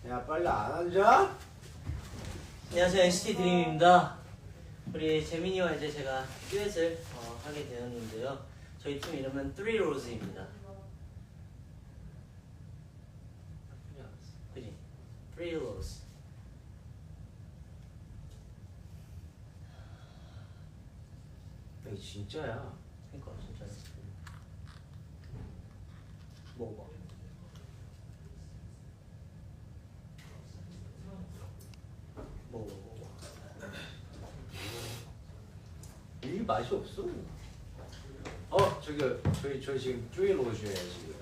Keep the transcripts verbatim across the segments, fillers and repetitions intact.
야 빨리 안 앉아? 안녕하세요, 엔시티 드림입니다. 우리 재민이와 이제 제가 듀엣을 어, 하게 되었는데요. 저희 팀 이름은 Three Roses입니다. 그지? Three Roses. 이거 진짜야. 그니까 진짜. 먹어봐. 먹어봐, 먹어봐. 이 맛이 없어. 어 저기 저희 저희 지금 쪼일로 오셔야지.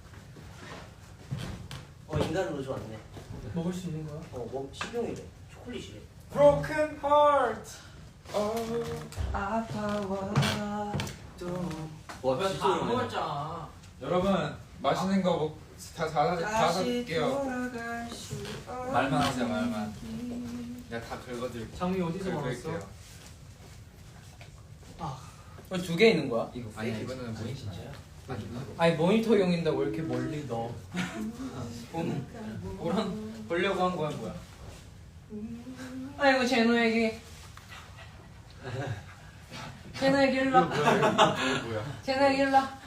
어 인간 로즈 왔네. 먹을 수 있는 거야? 어, 뭐 식용이래. 초콜릿이래. Broken heart. 어 아파와 또. 와 다 진짜 안 먹었잖아. 여러분 맛있는 거 먹, 다, 다, 다 사줄게요. 말만 하세요 말만. 내가 다 긁어드릴게요. 장미 어디서 긁을게요. 먹었어? 아, 두 개 있는 거야? 이거 아니 이거는 뭐니 진짜야? 아니 모니터용인데 왜 이렇게 멀리 넣어? 본 보란 보려고 한 거야 뭐야? 아이고 제노에게 제노에게 일로 와. 뭐야? 제노에게 일로 와.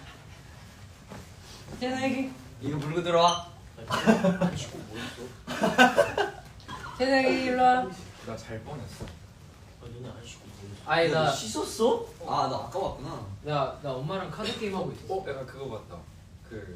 제노에게 이거 물고 들어와. 안 치고 뭐 있어? 제노에게 일로 와. 나 잘 뻔했어. 아, 너네 안 치고 뭐 있어? 아니 너 나 씻었어? 아 나 아까 왔구나. 나, 나 엄마랑 카드 게임 하고 있었어. 어? 내가 그거 봤다. 그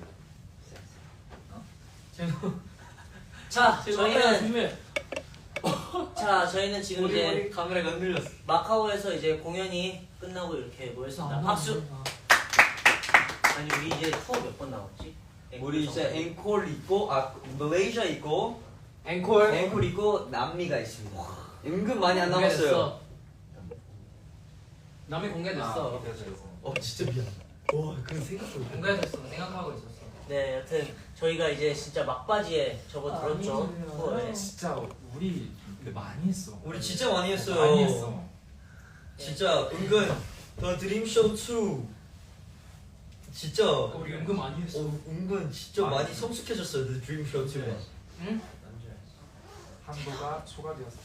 제노 자, 저희는 조심해. 자, 저희는 지금 우리, 이제 우리 카메라가 흔들렸어. 마카오에서 이제 공연이 끝나고 이렇게 모였습니다. 박수. 아니 우리 이제 투어 몇 번 나왔지? 우리 이제 앵콜 있고 아 말레이시아 있고 앵콜. 앵콜 있고 남미가 있습니다. 은근 많이 안 남았어요. 남이 공개됐어. 어 진짜 미안. 와 그 생각도 못. 공개됐어. 생각하고 있었어. 네, 여튼 저희가 이제 진짜 막바지에 접어들었죠. 투어에. 진짜 우리 근데 많이 했어. 우리 진짜 많이 했어요. 많이 했어. 진짜 은근 더 드림쇼 투 진짜 우리 은근 많이 했어. 어, 은근 진짜 많이 많이 했어. 성숙해졌어요. 더 드림쇼 투가. 응? 한도가 초과되었어.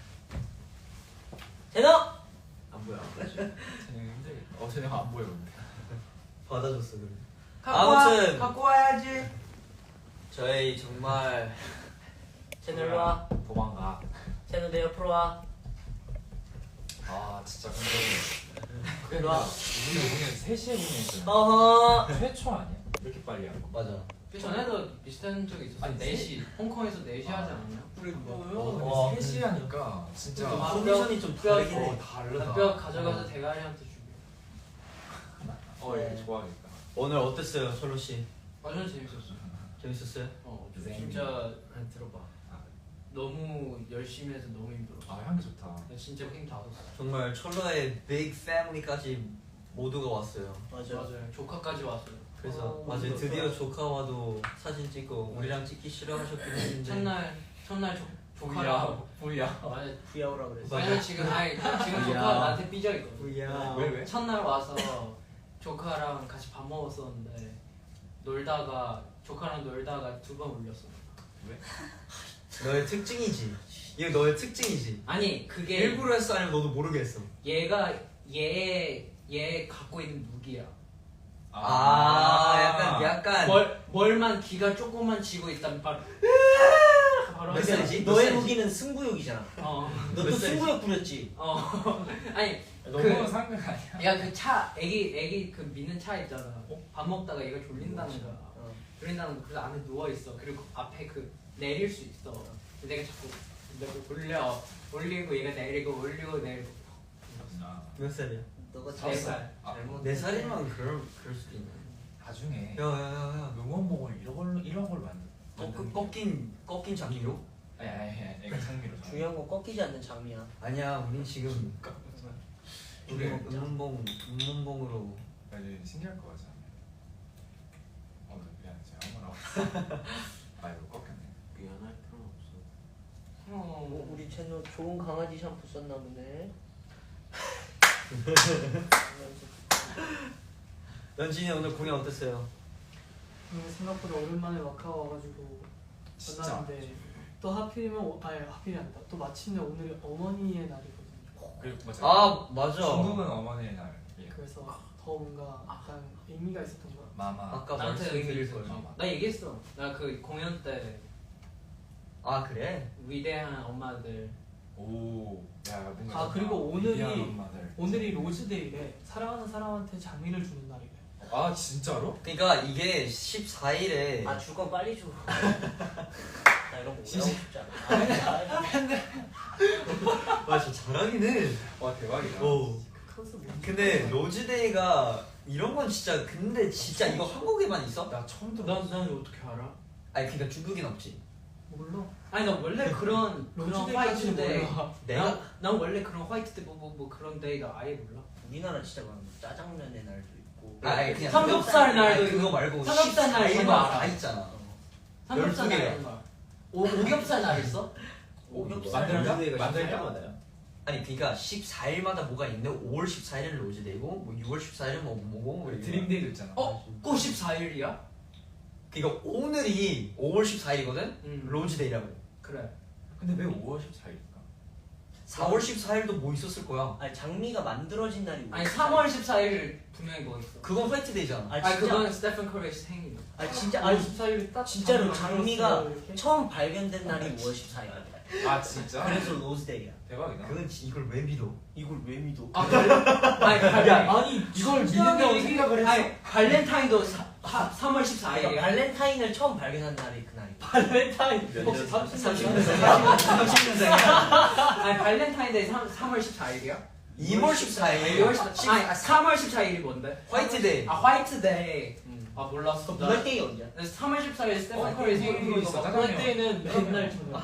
제노! 안 보여. 쟤는 힘들겠다. 어 쟤는 안 보여 근데. 받아줬어 그래. 갖고 와. 아무튼 갖고 와야지. 저희 정말 제노 일로 와. 도망가. 제노 내 옆으로 와. 아 진짜 근데 일로 와. 우리 공연 세 시에 공연했잖아. 어허. 최초 아니야? 이렇게 빨리 한 거. 맞아. 그 전에도 비슷한 적이 있었어. 아니, 네 시. 홍콩에서 네 시 하지 않았냐? 우리 와, 세 시 하니까 진짜 아, 컨디션이 좀 다르긴 해. 어 다르다. 뼈 가져가서 대가리한테 주고. 어 얘 좋아하겠다. 오늘 어땠어요, 솔로 씨? 완전 재밌었어. 재밌었어요? 어, 네. 진짜 한 들어봐. 너무 열심히 해서 너무 힘들었어. 아 향기 좋다. 나 진짜 힘 다 썼어. 정말 철러의 빅 패밀리까지 모두가 왔어요. 맞아. 맞아요. 조카까지 왔어요. 그래서 어, 맞아요. 너무 드디어 좋다. 조카와도 사진 찍고 우리랑 찍기 싫어하셨긴 했는데 첫날 첫날 조, 조카랑 부야. 맞아. 부야오라 그랬어. 왜냐면 지금 아니 지금 조카 야. 나한테 삐져 있거든. 부야. 왜 왜? 첫날 와서 조카랑 같이 밥 먹었었는데 놀다가 조카랑 놀다가 두 번 울렸어. 왜? 너의 특징이지. 이거 너의 특징이지. 아니 그게 일부러 했어 아니면 너도 모르겠어. 얘가 얘 얘 갖고 있는 무기야. 아, 약간 약간 뭘 뭘만 기가 조금만 지고 있다면 바로 바로 몇 살이지? 몇 너의 살이지? 무기는 승부욕이잖아. 어. 너 몇 또 살이지? 승부욕 부렸지. 어. 아니 너무 그- 상관 아니야. 야 그 차 애기 애기 그 미는 차 있잖아. 밥 먹다가 얘가 졸린다는 거야. 어. 졸린다는 거. 그래서 안에 누워 있어. 그리고 앞에 그 내릴 수 있어. 근데 내가 자꾸 내가 올려 올리고 얘가 내리고 올리고 내리고. 아, 몇 살이야? 너가 네 잘못 살. 아, 잘못. 네 살이면 그럴 그럴 수도 있네. 나중에 야야야야. 응원봉을 이런 걸로 이런 걸로 만들. 꺾 꺾인 꺾인 장미로? 아니 아니 아니 이거 장미로. 중요한 건 꺾이지 않는 장미야. 아니야, 우린 지금 우리 그래. 음문봉 음문봉으로. 아니 신기할 거 같아. 어 미안해 제가 아무나. 아 이거 꺾였네. 미안할 필요는 없어. 어. 어, 우리 채널 좋은 강아지 샴푸 썼나 보네. 연진이 오늘 공연 어땠어요? 음, 생각보다 오랜만에 마카오 와가지고 진짜. 만났는데 또 하필이면 오- 아니 하필이 아니다. 또 마침내 오늘이 어머니의 날이거든요. 그리고 맞아. 아 맞아. 중국은 어머니의 날. 예. 그래서 더 뭔가 약간 의미가 있었던 것 같아요. 마마. 아까 나한테 말씀드릴 의미 걸. 있어. 나 얘기했어. 나 그 공연 때 아 그래? 위대한 엄마들. 오. 야 뭔가. 아, 그리고 오늘이- 위대한 엄마들. 오늘이 로즈데이래. 사랑하는 사람한테 장미를 주는 날이래. 아 진짜로? 그러니까 이게 십사 일에 아 줄 건 빨리 줘. 나 이런 거 오래 하고 싶지 않아. 와 진짜 잘하긴 해. 와 대박이다. 오. 그것은 뭔지 근데 몰라. 로즈데이가 이런 건 진짜 근데 진짜 이거 한국에만 있어? 나 처음 들어. 난, 난 어떻게 알아? 아니 그러니까 중국인 없지. 몰라. 아니 나 원래 그런 그런 로즈데이까지는 화이트데이. 몰라. 내가 난, 난 원래 그런 화이트데이 뭐, 뭐, 뭐 그런 데이가 아예 몰라. 우리나라 진짜 많은 짜장면의 날도 있고. 아, 아니 그냥 삼겹살 날도 아니, 그거 있고, 말고 삼겹살 날 십사 이거 일만 알아. 다 있잖아. 삼겹살 열두 날 개야. 이런 거. 오 오겹살 날 있어? 오겹살. 만들까? 만들까? 만들까? 아니 그러니까 십사 일마다 뭐가 있는데 오월 십사 일은 로즈데이고 뭐 유월 십사 일은 뭐 뭐고 뭐 이렇게. 드림데이도 있잖아. 어? 그 십사 일이야? 그러니까 오늘이 오월 십사 일이거든. 응. 로즈데이라고. 그래. 근데 왜 오월 십사일일까? 사월 십사 일도 뭐 있었을 거야. 아니 장미가 만들어진 날이 아니 삼월 십사일 분명히 뭐 있어. 그건 화이트데이잖아. 아 아니 진짜. 그건 스테픈 커리의 생일. 아 진짜. 오월 아니 십사 일에 딱 진짜로 장미가 장미가 만들었어요, 이렇게. 처음 발견된 날이 오월 십사일이야. 아 진짜? 그래서 로즈데이야. 대박이다. 그건 지- 이걸 왜 믿어? 이걸 왜 믿어? 아 그래? 아니 발 아니 이걸 믿는다고 생각을 했어. 아니 발렌타인도 사, 하, 삼월 십사일이야. 그러니까 발렌타인을 처음 발견한 날이 그날이야. 발렌타인 혹시 삼십 삼십 년 년생. 삼십 년생이야. 아니 발렌타인데이 삼월 십사일이야? 이월 십사 일. 이월 십사 아니 삼월 십사일이 뭔데? 화이트데이. 아 화이트데이. 음. 아 몰랐어. 나 블랙데이 언제야? 삼월 십사일 스테픈 어, 커리 이거 생일인 이거 거 있어. 봐. 그럴 때는 맨날 저녁.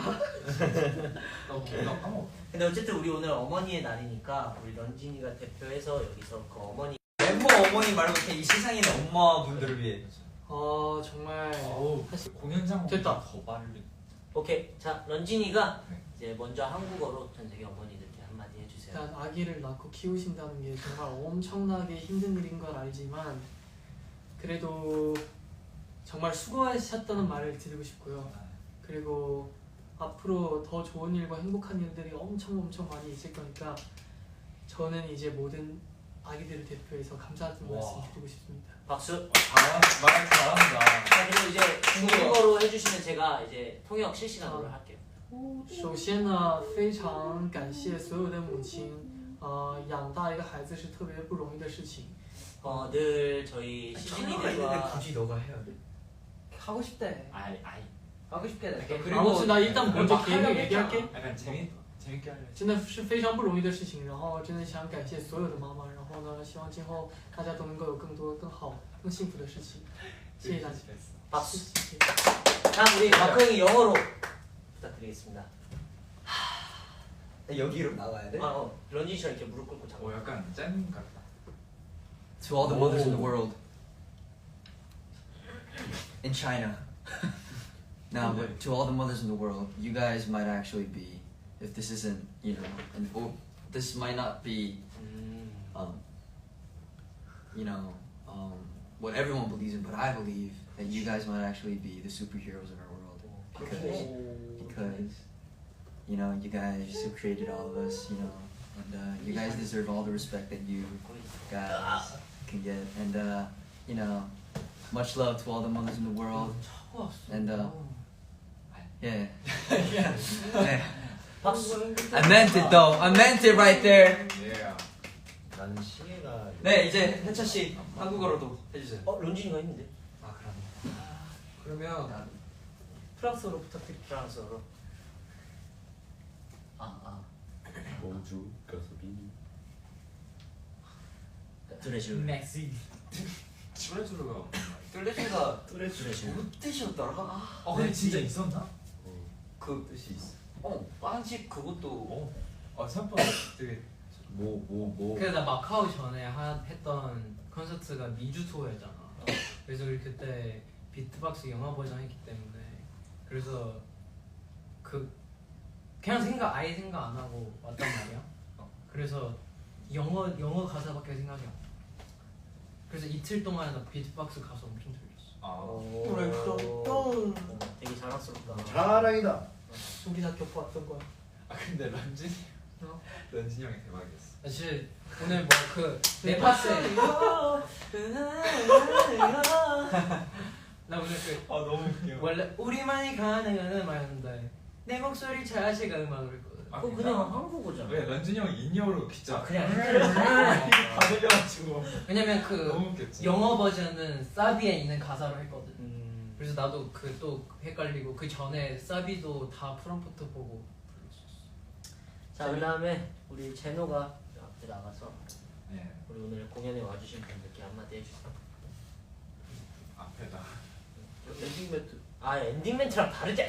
나 까먹어. 근데 어쨌든 우리 오늘 어머니의 날이니까 우리 런진이가 대표해서 여기서 그 어머니. 멤버 어머니 말고 그냥 이 세상에 있는 엄마분들을 위해. 아 정말 어우 사실 공연장 됐다. 더 빨리. 오케이. 자 런진이가 네. 이제 먼저 한국어로 전 세계 어머니들께 한마디 해주세요. 일단 아기를 낳고 키우신다는 게 정말 엄청나게 힘든 일인 걸 알지만 그래도 정말 수고하셨다는 말을 드리고 싶고요. 그리고 앞으로 더 좋은 일과 행복한 일들이 엄청 엄청 많이 있을 거니까 저는 이제 모든 아기들을 대표해서 감사하다는 와. 말씀 드리고 싶습니다. 박수. 잘한 말 잘한다. 자 그리고 이제 중국어로 해주시면 제가 이제 통역 실시간으로 아. 할게요. 首先呢，非常感谢所有的母亲，呃，养大一个孩子是特别不容易的事情。 어, 늘 저희 장르가 있는데 시즈니들과 굳이 너가 해야 돼. 하고 싶대. 아이 아이. 하고 싶대. 아무튼 나 일단 먼저 막 계획을 하려고 얘기할게. 했잖아. 약간 재밌 재밌게 하려. 真的是非常不容易的事情，然后真的想感谢所有的妈妈，然后呢，希望今后大家都能够有更多、更好、更幸福的事情。谢谢大家。 박수. 谢谢。 자 우리 마크 형이 영어로 부탁드리겠습니다. 여기로 나가야 돼? 아, 어, 런쥔이처럼 이렇게 무릎 꿇고 잡고. 오 약간 짠 같다. To all the mothers in the world. In China. Now, but to all the mothers in the world, you guys might actually be, if this isn't, you know, and oh, this might not be, 음. um, you know, um, what everyone believes in, but I believe that you guys might actually be the superheroes in our world because, because, you know, you guys who created all of us, you know, and uh, you guys deserve all the respect that you guys can get, and uh, you know, much love to all the mothers in the world, and uh, yeah, yeah. 박수. I meant it though. I meant it right there. 예. 나는 시계가 네, 이제 해찬 씨 한국어로도 해주세요. 어, 런쥔이가 했는데. 아 그럼. 그러면 프랑스어로 부탁드립니다. 프랑스어로. 아, 아. 모주 가수비 드레쥬. 맥시. 쭈레쭈르가. 뚜레쥬가 드레쥬. 무슨 뜻이었더라? 어 근데 진짜 있었나? 그 뜻이 있어. 어, 빵집 그것도 어. 아 생각보다 되게. 뭐 뭐 뭐. 그래서 나 마카오 전에 한, 했던 콘서트가 미주 투어였잖아. 그래서 우리 그때 비트박스 영화 버전 했기 때문에 그래서 그 그냥 생각 아예 생각 안 하고 왔단 말이야. 그래서 영어 영어 가사밖에 생각이 안 나. 그래서 이틀 동안 나 비트박스 가사 엄청 들렸어. 아. 오. 되게 자랑스럽다. 자랑이다. 우리 다 겪어왔던 거야. 아 근데 런쥔이 어? 런쥔이 형이 대박이었어. 아, 진짜 오늘 뭐그 네파스 나 오늘 그 아 너무 웃겨. 원래 우리만이 가능한 말했는데 내 목소리 자체가 음악으로 했거든. 아, 그거 그냥 한국어잖아. 왜 런쥔이 형이 인이어로 진짜 그냥 다 들려가지고 왜냐면 그 너무 웃겼지. 영어 버전은 사비에 있는 가사로 했거든. 음. 그래서 나도 그 또 헷갈리고 그 전에 사비도 다 프롬프트 보고 자 그다음에 우리 제노가 앞에 나가서 네 우리 오늘 공연에 와주신 분들께 한마디 해주세요. 앞에다. 엔딩 멘트. 아 엔딩 멘트랑 다르지.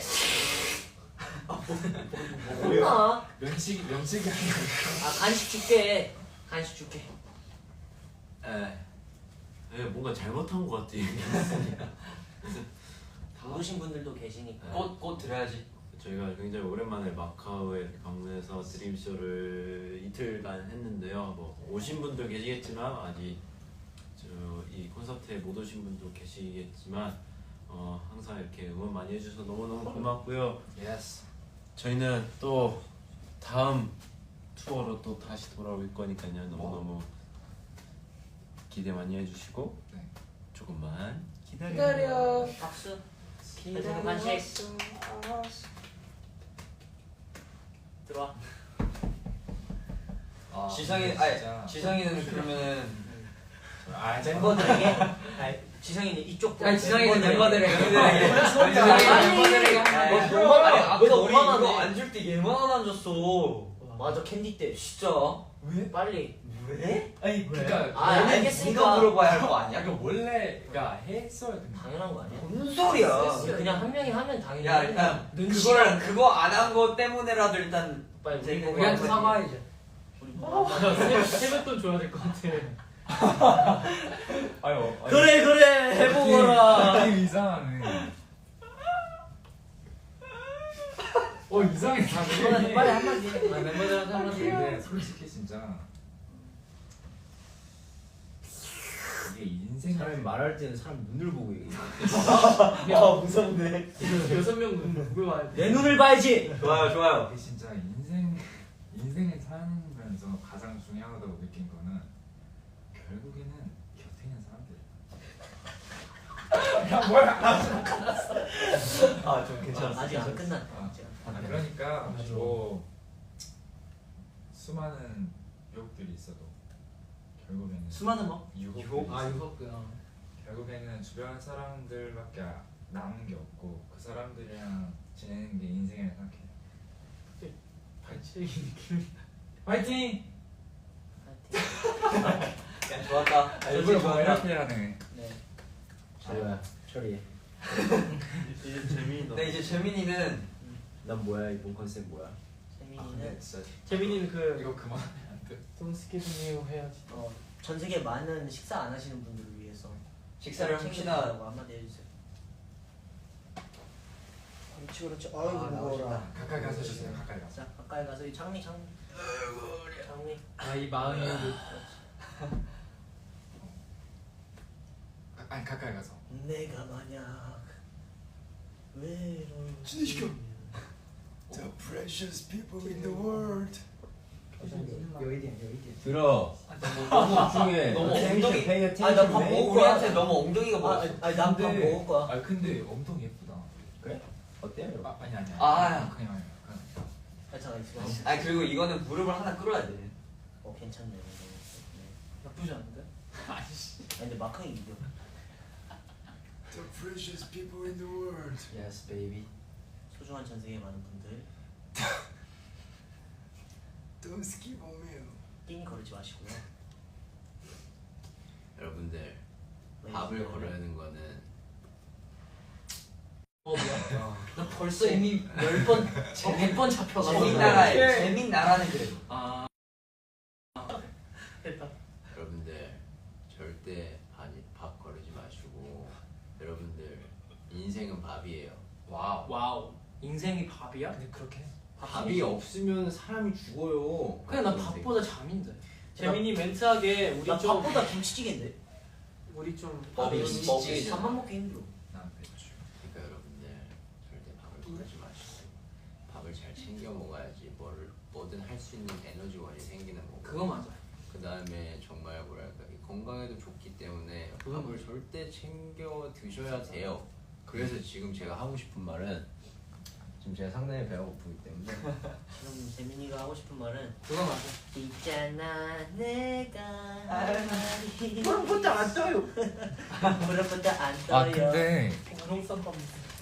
뭐야? 면치기 면치기 하는 거. 아 간식 줄게. 간식 줄게. 에, 에 뭔가 잘못한 것 같아. 다 오신 분들도 계시니까. 꽃, 꽃 드려야지. 저희가 굉장히 오랜만에 마카오에 이렇게 방문해서 드림쇼를 이틀간 했는데요. 뭐 오신 분도 계시겠지만 아직 저 이 콘서트에 못 오신 분도 계시겠지만 어, 항상 이렇게 응원 많이 해주셔서 너무너무 고맙고요. 예스. 저희는 또 다음 투어로 또 다시 돌아올 거니까요. 너무너무 기대 많이 해주시고 네. 조금만 기다려. 박수. 기다려. 간식. 들어와. 아, 지성이 아니 진짜. 지성이는 그러면은 아 멤버들에게. 아니 지성이는 이쪽. 아니 지성이는 멤버들에게. 멤버들에게 멤버들에게. 멤버들에게 아니, 한 뭐, 아니 왜 아까 너 우리 화나네? 이거 안 줄 때 얘만 안 줬어. 맞아 캔디 때. 진짜? 왜? 빨리. 왜? 아니 그러니까 아 얘는 알겠으니까. 네가 물어봐야 할 거 아니야? 약간 원래가 했어야 돼. 당연한 거 아니야? 무슨 소리야? 그냥 한 명이 하면 당연히. 야 하는 거야. 일단 그거를 그거 안 한 거 때문에라도 일단 빨리 제일 우리 우리한테 보고 사과해줘. 우리 보고 한마디. 야, 세- 세뱃돈 줘야 될 것 같아. 아유. 아유. 그래 그래 해보거라. 느낌 이상하네. 어 이상해 다 멤버들한테 빨리 한마디 해. 아, 멤버들한테 한마디 해. 근데 솔직히 진짜 이게 인생 사람이 말할 때는 사람 눈을 보고 얘기해. 아 무섭네. 여섯 명 누구 와야 돼? 내 눈을 봐야지. 좋아요 좋아요. 이게 진짜 인생 인생을 살면서 가장 중요하다고 느낀 거는 결국에는 곁에 있는 사람들. 야 뭐야? 아좀 괜찮았어. 아직 안 끝났다. 아, 아직 안 아, 끝났다. 그러니까 맞아. 뭐 수많은 유혹들이 있어도 결국에는 수많은 뭐? 유혹 아 유혹구나. 결국에는 주변 사람들밖에 남은 게 없고 그 사람들이랑 지내는 게 인생이라 생각해. 발치기 느낌. 파이팅! 야 좋았다. 아, 일부러 뭐 이렇게 하네. 네. 자료야 처리해. 이제 재민이 근데 이제 재민이는 난 뭐야 이번 컨셉 뭐야? 아 재민이는 근데 진짜 재민이는 그 이거 그만하면 안 돼. 돈 스케줄이요 해야지. 어, 전 세계 많은 식사 안 하시는 분들을 위해서 식사를 챙겨주시라고 합시다. 한마디 해주세요. 그렇지 그렇지. 아, 아이고 무거워라. 가까이 가서 주세요. 가까이 가서. 자 가까이 가서 이 장미 장미. 장미. 아이 마음이 가- 아니 가까이 가서. 내가 만약 외로운 진행시켜. The precious people in the world. 여의디야 여의디. 들어. 너무 중요해. 너무 엉덩이. pay 아나 attention, 밥 man. 먹고 우리한테 너무 엉덩이가 아, 먹었어. 아니 난 밥 근데- 먹을 거야. 아 근데 엄청 예쁘다. 그래? 어때요? 여러분? 아 아니 아니. 아. 그냥 그냥. 괜찮아 있어. 아니 그리고 이거는 무릎을 하나 끌어야 돼. 어 괜찮네. 네. 나쁘지 않은데? 아니 근데 마크이 이겨. The precious people in the world. Yes baby. 소중한 전 세계 많은 분들 Don't skip on me. 삥 거르지 마시고요. 여러분들 네, 밥을 네. 거르는 거는 어 뭐야? 나 벌써 이미 열번 어, 백 번 잡혀가지고. 재민 나라에 재민 나라는 그래. 아 됐다. 여러분들 절대 아니 밥 거르지 마시고 여러분들 인생은 밥이에요. 와우. 와우. 인생이 밥이야? 근데 그렇게? 밥이 없으면 사람이 죽어요. 그냥 난 밥보다 잠인데. 재민이 멘트하게 우리 나 좀 밥보다 김치찌개인데. 우리 좀 밥이 김치찌개 먹기 밥만 먹기 힘들어. 난 배추. 그러니까 여러분들 절대 밥을 거르지 마시고 챙겨 먹어야지 뭘 뭐든 할 수 있는 에너지원이 생기는 거고. 그거 맞아. 그 다음에 정말 뭐랄까 이 건강에도 좋기 때문에 그건 밥을 절대 챙겨 드셔야 돼요. 그래서 지금 제가 하고 싶은 말은 지금 제가 상당히 배가 고프기 때문에 지금 재민이가 하고 싶은 말은 그거 맞아. 있잖아 내가 할 말이 그럼부터 안 떠요. 무릎부터 안 떠요. 아 근데 그런 쌈밥.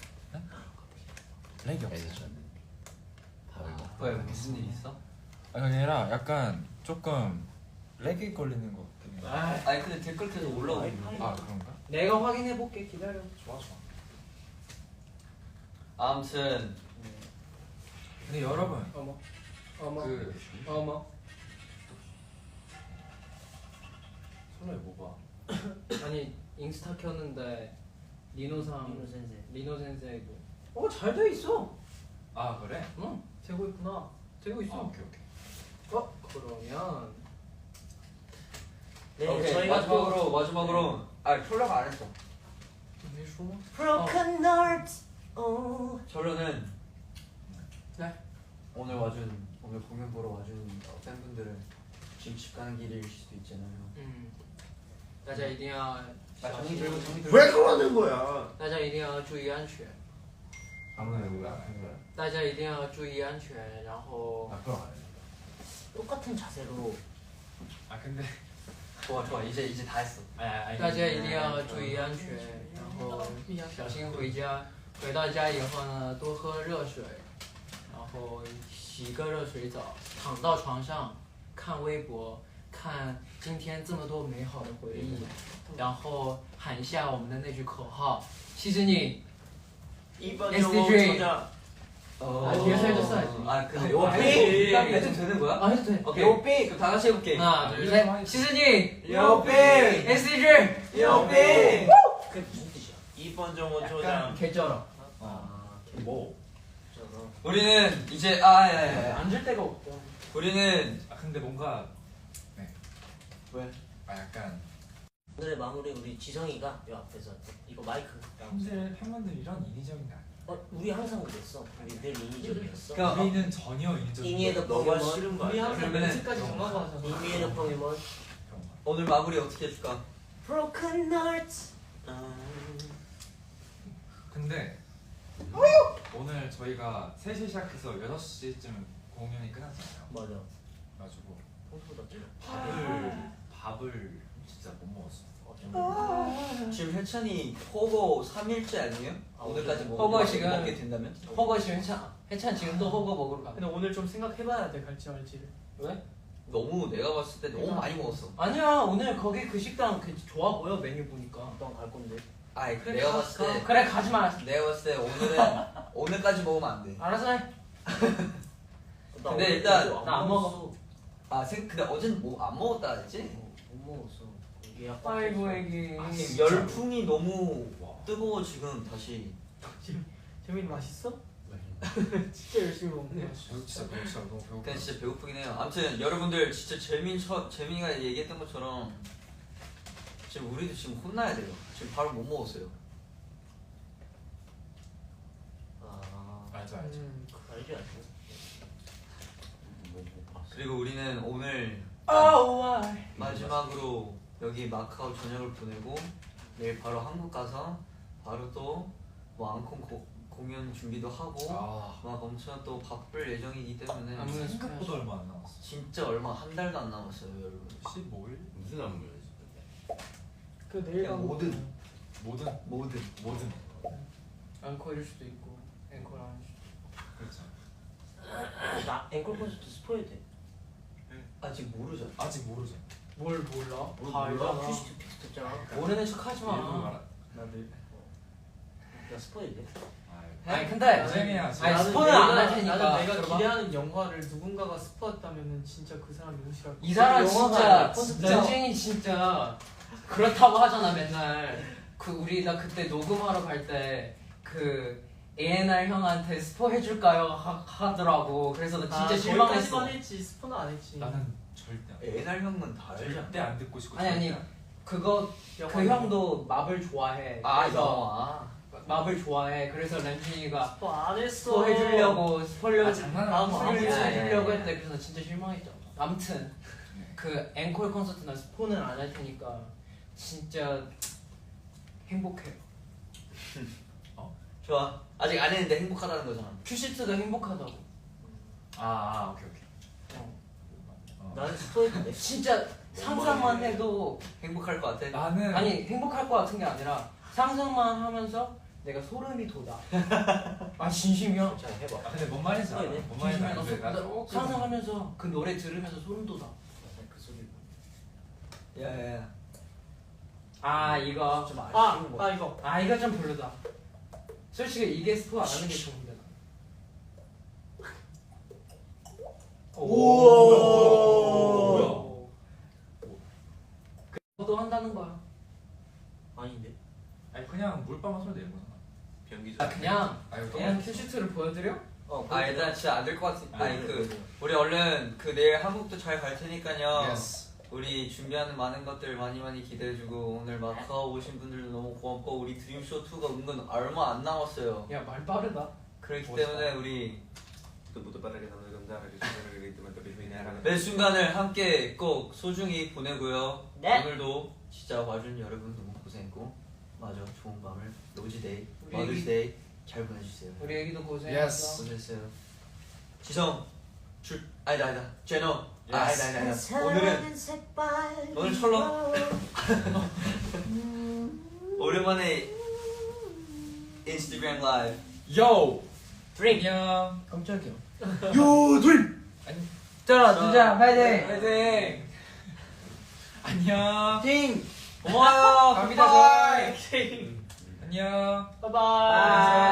렉이 없어. 그래서 저는 밥을 먹고 왜 무슨 일 있어? 아니 아니라 약간 조금 렉이 걸리는 것 같긴 해. 아, 아니 근데 댓글 계속 올라오고 있는데. 아 그런가? 내가 확인해 볼게. 기다려. 좋아 좋아. 아무튼 근데 여러분 어머, 어머, 그 어머. 손에 뭐 봐? 아니 인스타 켰는데 리노상 민호 선생. 리노 센세이고. 어, 잘 돼 있어. 아 그래? 응, 되고 있구나. 되고 아 있어. 오케이 오케이. 어, 그러면 네, 오케이 저희가 마지막으로 마지막으로 아 콜라가 안 했어. 왜 숨어? 또 Broken Heart. 어. 결론은 네. 오늘 와준 오늘 공연 보러 와준 팬분들은 지금 집 가는 길일 수도 있잖아요. 嗯，大家一定要 아 小 정리 心， 들고 정리 들고. 왜 그러는 거야? 大家一定要注意安全， 아무래도 안 해. 大家一定要注意安全，然后 앞으로 안 해. 똑같은 자세로. 아 근데 좋아 좋아 이제 이제 다 했어. 大家一定要注意安全，然后小心回家。回到家以后呢，多喝热水，然后洗个热水澡，躺到床上看微博，看今天这么多美好的回忆，然后喊一下我们的那句口号：其实你 이번 에스디지. 영어 어. 아, 뒤에서 해도 써야지. 아 근데 아, 요거 아니, 삐 아니, 해도 되는 거야? 아 해도 돼. 오케이. 요거 삐 그럼 다 같이 해볼게. 하나, 둘, 셋. 시즈니 요삐 에스디지 요삐. 그게 무슨 뜻이야? 이번 정도 약간 초장. 개쩔어. 아, 뭐? 저거. 우리는 이제 아 예, 예. 앉을 데가 없어. 우리는 아 근데 뭔가 네. 왜? 아 약간 오늘의 마무리 우리 지성이가 이 앞에서 이거 마이크. 팬들 팬분들이랑 인위적인 게 아니야. 어, 우리 항상 그랬어. 우리 늘 인위적이었어. 그러니까 우리는 전혀 인위적인 인위에도 너가 포켓몬. 싫은 거 우리 아니야? 항상 그러면은- 멘트까지 정하고 하잖아. 인위에도 포켓몬. 그런 거. 오늘 마무리 어떻게 해줄까? Broken Heart. 아, 근데 오늘 저희가 세 시 시작해서 여섯 시쯤 공연이 끝났잖아요. 맞아. 그래가지고 평소보다 좀. 밥을 밥을 진짜 못 먹었어. 어, 좀. 지금 해찬이 허거 삼 일째 아니에요? 아, 오늘까지 오늘. 먹, 허거 지금- 먹게 된다면? 허거 지금 해찬 해찬 지금 또 허거 먹으러 가. 근데 오늘 좀 생각해봐야 돼 갈지 말지를. 왜? 너무 내가 봤을 때 너무 많이 먹었어. 아니야, 오늘 거기 그 식당 그 좋아 보여 메뉴 보니까. 너갈 건데. 아이 그래, 내가 가- 봤을 때 그래 가지 마. 내가 봤을 때 오늘은 오늘까지 먹으면 안 돼. 알아서 해. 나 근데 오늘 일단 그거 나안 먹었어. 아 생, 근데 어제는 뭐 안 먹었다 했지? 어, 못 먹었어. 예약 아이고 애기. 아, 열풍이 너무 뜨거워 지금 다시. 재민이 맛있어? 진짜 열심히 먹네. 진짜 너무 진짜 너무 배고파. 그냥 진짜 배고프긴 해요. 아무튼 여러분들 진짜 재민 처, 재민이가 얘기했던 것처럼 지금 우리도 지금 혼나야 돼요. 지금 바로 못 먹었어요. 아, 알죠 알죠. 음. 알지 알지. 뭐못 봤어. 그리고 우리는 오늘 Oh why? 마지막으로 여기 마카오 저녁을 보내고 내일 바로 한국 가서 바로 또 뭐 앙콘 고, 공연 준비도 하고 아 막 엄청 또 바쁠 예정이기 때문에 아무래도 생각보다 얼마 안 남았어. 진짜 얼마 한 달도 안 남았어요 여러분. 십오 일? 무슨 안무였지? 그 내일 그냥 가면 모든. 돼. 뭐든 뭐든 뭐든 앵콜일 수도 있고 앵콜 아닐 수도 그렇죠. 나 앵콜 콘서트 스포해야 돼. 아직 모르죠. 아직 모르죠. 있고. 뭘 몰라? 뭘 다 몰라? 알잖아. 큐시트 픽스 됐잖아. 모르는 척 하지 일부러 마. 말하. 나들. 나 스포해야 돼. 아니 근데 쌤이야. 아니 나는 스포는 내가- 안 할 테니까. 나는 내가 들어봐. 기대하는 영화를 누군가가 스포했다면은 진짜 그 사람 너무 싫어. 이 사람 영화가 진짜 아니라 콘서트야. 전쟁이 진짜 그렇다고 하잖아 맨날. 그 우리 나 그때 녹음하러 갈 때 그 에이엔알 형한테 스포 해줄까요 하, 하더라고. 그래서 나 진짜 실망했어. 거기까지만 했지 스포는 안 했지. 나는 절대 안- 에날 형은 다 알죠. 절대 안 듣고 싶고. 아니 아니 절대 안- 그거 그 영화 형도 마블 좋아해. 아 그래서 영화. 맙을 좋아해. 그래서 렌준이가 뭐 안 했어. 스포 해주려고 스포를 아, 장난하는 거 스포를 아니야. 해주려고 했는데 그래서 진짜 실망했잖아. 아무튼 그 앵콜 콘서트는 스포는 안 할 테니까 진짜 행복해요. 좋아. 아직 안 했는데 행복하다는 거잖아. 큐시트가 행복하다고. 아, 아 오케이 오케이. 어. 어. 나는 스포했는데. 진짜 상상만 해도 행복할 것 같아. 나는 아니 행복할 것 같은 게 아니라 상상만 하면서 내가 소름이 돋아. 아 진심이야. 자 해봐. 아, 근데 뭔 말인지 알아. 스포이네. 뭔 말인지 진심이야. 알는데 나 나 소- 조금 상상하면서 그 노래 들으면서 소름 돋아. 그 소리. 야야야. 아 이거 좀 아, 아쉬운 거. 아 이거 아 이거 좀 별로다. 솔직히 이게 스포 안 하는 게 좋은데. 우와. 뭐야? 그것도 한다는 거야. 아닌데. 아니 그냥 물방울 소리 내는 거잖아. 변기 아 그냥 아니 그냥 큐시트를 보여드려? 어. 아 얘들아 진짜 안 될 것 같아. 아, 아니 그래, 그 그래. 우리 얼른 그 내일 한국도 잘 갈 테니까요. 예스. 우리 준비하는 많은 것들 많이 많이 기대해주고 오늘 마카오 오신 분들도 너무 고맙고 우리 드림쇼 이가 은근 얼마 안 남았어요. 야 말 빠르다. 그렇기 멋있다. 때문에 우리 그부터 빠르게 나오는 건데 알아주시면 되면 또 비밀이 하나. 매 순간을 함께 꼭 소중히 보내고요. 네. 오늘도 진짜 와준 여러분 너무 고생했고 맞아 좋은 밤을 로즈데이, 우리 머드스데이 잘 보내주세요. 우리 애기도 예스. 고생했어. 고생했어요. 지성 줄 아니다 아니다 제노 아 예스. 아니다 아니다 아니다 오늘은 오늘 철렁 오랜만에 인스타그램 라이브 요. 드림. 안녕. 깜짝이야. 요 드림 자 진짜 파이팅! 파이팅. 안녕. 팅 고마워요 갑니다 바이. 저희. 안녕. 바이바이.